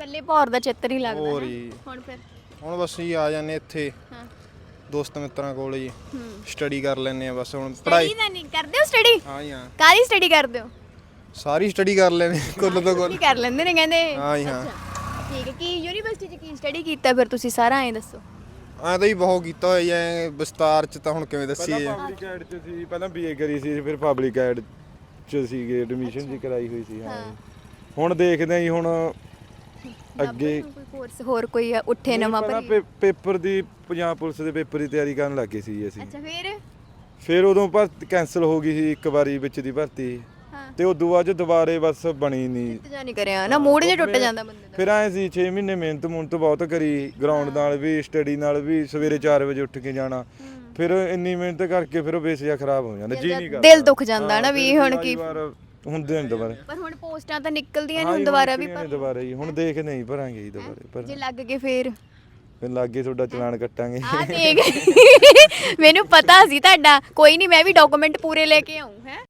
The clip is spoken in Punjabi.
ਕੱਲੇ ਭੌਰ ਦਾ ਚਿੱਤਰ ਹੀ ਲੱਗਦਾ ਹੋਰ ਹੈ ਜੀ ਹੁਣ ਫਿਰ ਹੁਣ ਬਸ ਜੀ ਆ ਜਾਂਦੇ ਇੱਥੇ ਹਾਂ ਦੋਸਤ ਮਿੱਤਰਾਂ ਕੋਲ ਜੀ ਹੂੰ ਸਟੱਡੀ ਕਰ ਲੈਂਦੇ ਆ ਬਸ ਹੁਣ ਪੜ੍ਹਾਈ ਸਟੱਡੀ ਤਾਂ ਨਹੀਂ ਕਰਦੇ ਹੋ ਸਟੱਡੀ ਹਾਂ ਜੀ ਹਾਂ ਕਾਹਦੀ ਸਟੱਡੀ ਕਰਦੇ ਹੋ ਸਾਰੀ ਸਟੱਡੀ ਕਰ ਲੈਂਦੇ ਕੁੱਲ ਤੋਂ ਕੁੱਲ ਕੀ ਕਰ ਲੈਂਦੇ ਨੇ ਕਹਿੰਦੇ ਹਾਂ ਜੀ ਹਾਂ ਅੱਛਾ ਠੀਕ ਹੈ ਕੀ ਯੂਨੀਵਰਸਿਟੀ 'ਚ ਕੀ ਸਟੱਡੀ ਕੀਤਾ ਫਿਰ ਤੁਸੀਂ ਸਾਰਾ ਐਂ ਦੱਸੋ ਐਂ ਤਾਂ ਹੀ ਬਹੁਤ ਕੀਤਾ ਹੋਇਆ ਐ ਵਿਸਤਾਰ ਚ ਤਾਂ ਹੁਣ ਕਿਵੇਂ ਦੱਸੀਏ ਪਬਲਿਕ ਐਡ ਚ ਸੀ ਪਹਿਲਾਂ ਬੀਏ ਕਰੀ ਸੀ ਫਿਰ ਪਬਲਿਕ ਐਡ ਚ ਸੀਗੇ ਐਡਮਿਸ਼ਨ ਜੀ ਕਰਾਈ ਹੋਈ ਸੀ ਹਾਂ ਜੀ। ਹੁਣ ਦੇਖਦੇ ਆਂ ਜੀ ਹੁਣ ਅੱਗੇ ਕੋਈ ਕੋਰਸ ਹੋਰ ਕੋਈ ਉੱਠੇ ਨਵਾਂ ਪਹਿਲਾਂ ਭਰੀ ਪੇਪਰ ਦੀ ਪੰਜਾਬ ਪੁਲਿਸ ਦੇ ਪੇਪਰ ਦੀ ਤਿਆਰੀ ਕਰਨ ਲੱਗੇ ਸੀ ਜੀ ਅਸੀਂ ਅੱਛਾ ਫਿਰ ਉਦੋਂ ਭਰਤੀ ਕੈਂਸਲ ਹੋ ਗਈ ਸੀ ਇੱਕ ਵਾਰੀ ਵਿੱਚ ਦੀ ਭਰਤੀ ਹਾਂ ਤੇ ਉਦੋਂ ਬਾਅਦ 'ਚ ਦੁਬਾਰੇ ਬਸ ਬਣੀ ਨਹੀਂ ਇੰਤਜ਼ਾਰ ਨਹੀਂ ਕਰਿਆ ਨਾ ਮੂਡ ਜੇ ਟੁੱਟ ਜਾਂਦਾ ਬੰਦੇ ਦਾ ਫਿਰ ਐ ਸੀ 6 ਮਹੀਨੇ ਮਿਹਨਤ ਬਹੁਤ ਕਰੀ ਗਰਾਊਂਡ ਨਾਲ ਵੀ ਸਟੱਡੀ ਨਾਲ ਵੀ ਸਵੇਰੇ 4 ਵਜੇ ਉੱਠ ਕੇ ਜਾਣਾ ਫਿਰ ਇੰਨੀ ਮਿਹਨਤ ਕਰਕੇ ਫਿਰ ਉਹ ਬੇਸ ਜਿਹਾ ਖਰਾਬ ਹੋ ਜਾਂਦਾ ਜੀ ਨਹੀਂ ਕਰਦਾ ਦਿਲ ਦੁੱਖ ਜਾਂਦਾ ਨਾ ਵੀ ਹੁਣ ਕੀ ਹੁੰਦੇ ਨੇ ਦੁਬਾਰੇ ਪਰ ਹੁਣ ਪੋਸਟਾਂ ਤਾਂ ਨਿਕਲਦੀਆਂ ਨੇ ਹੁਣ ਦੁਬਾਰਾ ਵੀ ਦੁਬਾਰੇ ਹੀ ਹੁਣ ਦੇਖਦੇ ਨਹੀਂ ਭਰਾਂਗੇ ਜੀ ਦੁਬਾਰੇ ਪਰ ਜੇ ਲੱਗ ਗਏ ਫੇਰ ਫਿਰ ਲੱਗੇ ਤੁਹਾਡਾ ਚਲਾਨ ਕੱਟਾਂਗੇ ਆ ਦੇਖ ਮੈਨੂੰ ਪਤਾ ਸੀ ਤੁਹਾਡਾ ਕੋਈ ਨਹੀਂ ਮੈਂ ਵੀ ਡਾਕੂਮੈਂਟ ਪੂਰੇ ਲੈ ਕੇ ਆਉਂ ਹੈ